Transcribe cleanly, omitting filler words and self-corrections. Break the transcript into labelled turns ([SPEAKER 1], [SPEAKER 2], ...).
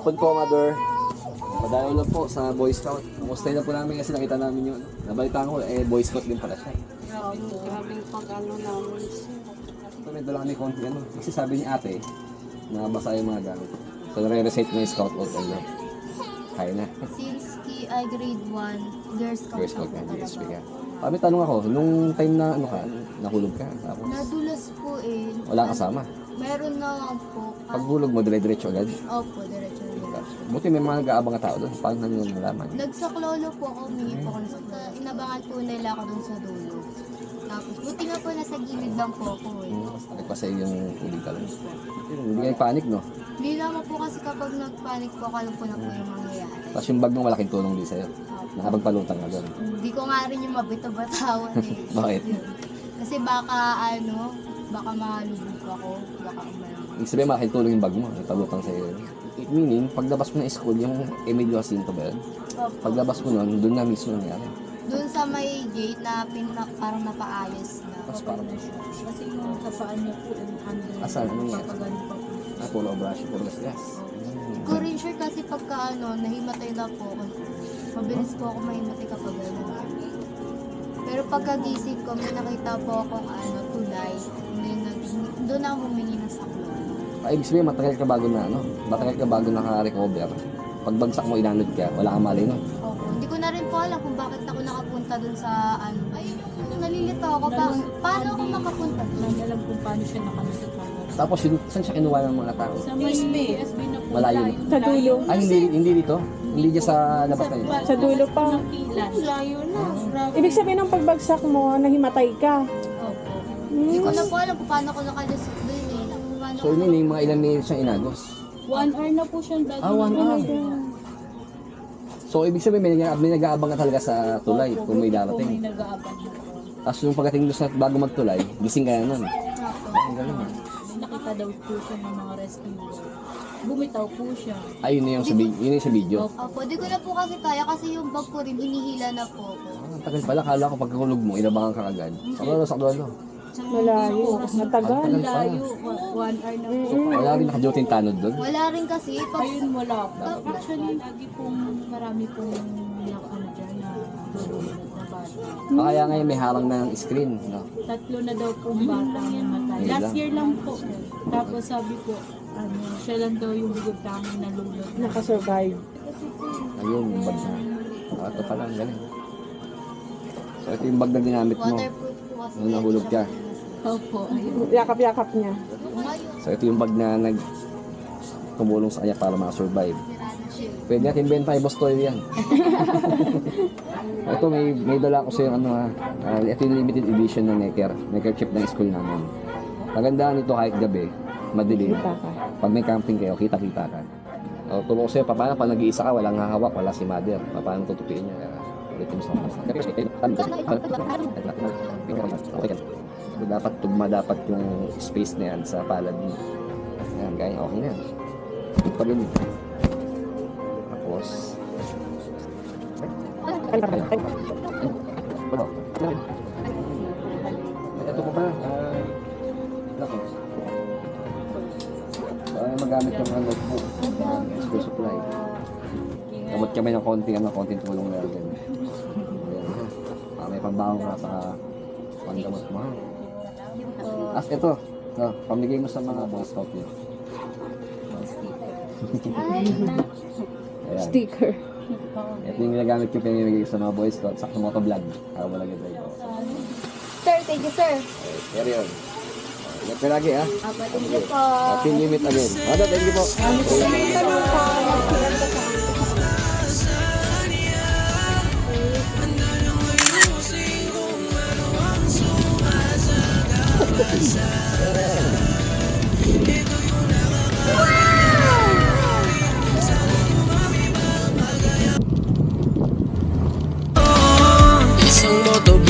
[SPEAKER 1] hapon po, Mother. Padayo lang po sa Boy Scout. Kumusta na po namin kasi nakita namin yun. Nabalitaan ko, Boy Scout din pala siya.
[SPEAKER 2] Grabing pag-ano namin siya.
[SPEAKER 1] Ito, may dala kami konti ano. Kasi sabi ni ate, nabasa yung mga gamit. So, nare-recite na yung Scout out ayun. Kaya na.
[SPEAKER 3] Since ay grade 1, Girl Scout
[SPEAKER 1] Girl Scout
[SPEAKER 3] ako
[SPEAKER 1] na,
[SPEAKER 3] talaga.
[SPEAKER 1] GSP ka. Kami tanong ako, nung time na ano ka, nahulog ka. Tapos,
[SPEAKER 3] Nadulas po eh.
[SPEAKER 1] wala kasama.
[SPEAKER 3] Meron na po.
[SPEAKER 1] Paghulog mo, dire-diretso agad.
[SPEAKER 3] Opo, diretso rin.
[SPEAKER 1] Buti may mga nag-aabang na tao doon. Paano nyo nalaman?
[SPEAKER 3] Nagsaklolo po ako, humingi po ako sa inabangan po nila ako dun sa dulo. Tapos, buti nga po nasa gilid lang po ako eh.
[SPEAKER 1] Nagpasay yung tubig ka lang. Hindi kayo panic, no?
[SPEAKER 3] Hindi naman po kasi kapag nagpanik po, alam po na po yung mangyayari.
[SPEAKER 1] Tapos yung bag mo malaking tulong din sa'yo. Nakapagpalutang ka doon.
[SPEAKER 3] Hindi ko nga rin yung mabito-batawan eh.
[SPEAKER 1] Bakit?
[SPEAKER 3] Kasi baka baka malubog ako, baka umalang.
[SPEAKER 1] Ibig sabihin malaking tulong yung bag mo. Nagpalutang sa'yo. Meaning, paglabas mo ng school, yung Emilio Jacinto ba yun? Paglabas mo nun, doon na mismo nangyari.
[SPEAKER 3] Doon sa may gate na parang napaayos na.
[SPEAKER 1] Tapos parang,
[SPEAKER 2] Kasi yung sa paa niya po,
[SPEAKER 1] Asan? Ano yan?
[SPEAKER 2] papagano pa po.
[SPEAKER 1] puro brush, puro gas.
[SPEAKER 3] Hindi ko rin sure kasi pagka nahimatay na po ako. Mabilis po ako mahimatay kapag gano'n. Pero pagkagising ko, may nakita po akong tulay. Doon ako humingi ng saklo.
[SPEAKER 1] Ay, ibig sabihin, matagal ka bago na, ano? Matagal ka bago naka-recover. Pagbagsak mo, inanod ka, wala kang mali, no?
[SPEAKER 3] Opo. Hindi ko na rin po alam kung bakit ako nakapunta doon sa Ayun yung nalilito ako. Paano ako makapunta?
[SPEAKER 2] Hindi alam kung paano siya nakalusot na.
[SPEAKER 1] Tapos, saan siya kinuha ng mga tao?
[SPEAKER 2] Sa may SB na po.
[SPEAKER 1] Malayo na.
[SPEAKER 4] Sa dulo.
[SPEAKER 1] Ay, hindi dito? Hindi dyan sa labas kayo?
[SPEAKER 4] Sa dulo pa.
[SPEAKER 2] Layo na. Grabe.
[SPEAKER 4] Ibig sabihin ng pagbagsak mo, nahimatay ka.
[SPEAKER 3] Opo. Hindi ko na po alam kung paano ako nakalusot doon eh. Paano
[SPEAKER 1] So, yun yung mga ilang minutes siyang inagos.
[SPEAKER 2] 1 hour na po siyang bago.
[SPEAKER 1] 1 hour. So, ibig sabihin, may nag-aabang ka talaga sa tulay kung may
[SPEAKER 2] May
[SPEAKER 1] darating.
[SPEAKER 2] nag-aabang.
[SPEAKER 1] Tapos, yung pagdating doon sa bago magtulay, gising ka na nun.
[SPEAKER 3] Opo.
[SPEAKER 1] Ang galing, ah.
[SPEAKER 2] Nakita daw po siya ng mga rescuer. Bumitaw po siya.
[SPEAKER 1] Ay, yun yung sa video.
[SPEAKER 3] Opo, di ko na po kasi kaya kasi yung bag ko rin, hinihila na po ako.
[SPEAKER 1] Ang tagal pala, kala ko pagkakulog mo, inabangan ka agad. Saklolo.
[SPEAKER 4] Malayo. Matagal.
[SPEAKER 1] Ang tagal pa.
[SPEAKER 2] Layo. 1 hour na po.
[SPEAKER 1] So, wala rin naka-duty yung tanod doon.
[SPEAKER 3] Wala rin kasi.
[SPEAKER 2] Ayun, wala po. Actually, lagi pong marami pong dyan na lulunod na bata.
[SPEAKER 1] Kaya ngayon may harang na ng screen. No?
[SPEAKER 2] 3 na daw pong bata ang namatay.
[SPEAKER 1] Ayun
[SPEAKER 2] Last
[SPEAKER 1] lang.
[SPEAKER 2] year lang po. Tapos sabi po, siya lang daw yung bigod kami na lulunod.
[SPEAKER 4] Nakasurvive.
[SPEAKER 1] Ayun, yung bag na. Ito pala, ang galing. So, ito yung bag na ginamit mo.
[SPEAKER 3] Waterproof po kasi.
[SPEAKER 1] Nung nahulog ka.
[SPEAKER 2] Opo, ayun.
[SPEAKER 4] Yakap-yakap niya.
[SPEAKER 3] Ngayon,
[SPEAKER 1] So, ito yung bag na tumulong sa kanya para makasurvive.
[SPEAKER 3] sira na siya.
[SPEAKER 1] Pwede natin benta kay Boss Toy yan. Ito, may dala ko sa yung ito yung limited edition ng Necker chip ng school namin. Magandaan nito kahit gabi, madilim.
[SPEAKER 4] Kita ka.
[SPEAKER 1] Pag may camping kayo, kita-kita ka. Tulong ko sa'yo, paano pag nag-iisa ka, walang hahawak, wala si mother. Paano tutupiin niya? Ulitin mo sa mga So, dapat tugma dapat yung space na yan sa palad mo. Ayan, kaya okay na yan. Ito rin. Tapos, ito pa ba? Nako. Magamit yung mga notebook. School supply. Gamot kami ng konting tulong na rin. May pambawang ka sa panggamot mo. As ito, pamigay mo sa mga Boy Scout niyo. Ayan.
[SPEAKER 4] Sticker.
[SPEAKER 1] Ito yung ginagamit yung pinamigay sa mga Boy Scout sa motovlog. Wala ganda ito.
[SPEAKER 3] Sir, thank you sir.
[SPEAKER 1] Carry on. Ingat ka lagi ha.
[SPEAKER 3] Thank you po.
[SPEAKER 1] Team limit again. Mada, thank you po.
[SPEAKER 5] Sa